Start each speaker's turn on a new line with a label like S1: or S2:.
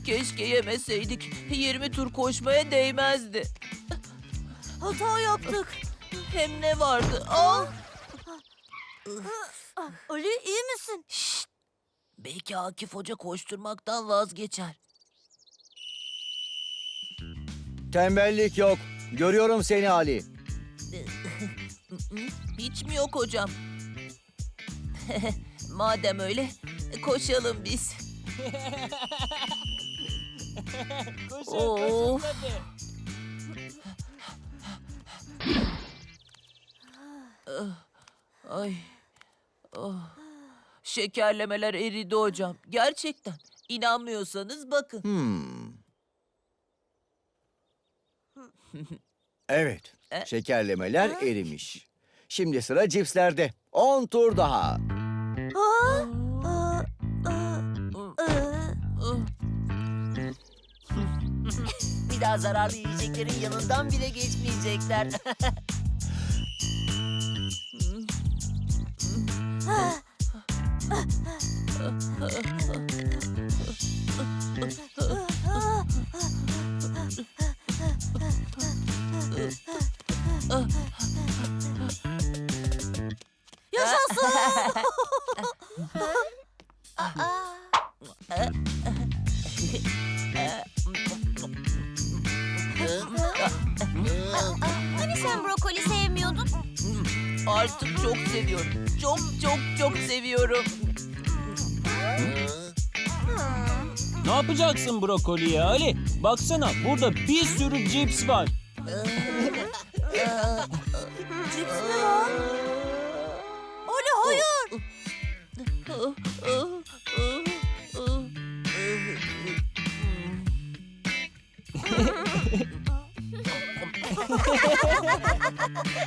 S1: Keşke yemeseydik. 20 tur koşmaya değmezdi.
S2: Hata yaptık.
S1: Hem ne vardı? Ah!
S2: Ali iyi misin?
S1: Belki Akif Hoca koşturmaktan vazgeçer.
S3: Tembellik yok. Görüyorum seni Ali.
S1: Hiç mi yok hocam? Madem öyle koşalım biz. Of. Ay. Oh. Şekerlemeler eridi hocam. Gerçekten. İnanmıyorsanız bakın.
S3: Evet. Şekerlemeler erimiş. Şimdi sıra cipslerde. 10 tur daha.
S4: Bir daha zararlı yiyeceklerin yanından bile geçmeyecekler.
S2: Yaşasın. Hani sen brokoli sevmiyordun?
S1: Artık çok seviyorum. Çok çok çok seviyorum.
S5: Ne yapacaksın brokoliye Ali? Baksana burada bir sürü cips var.
S2: Cips mi var? Ali hayır.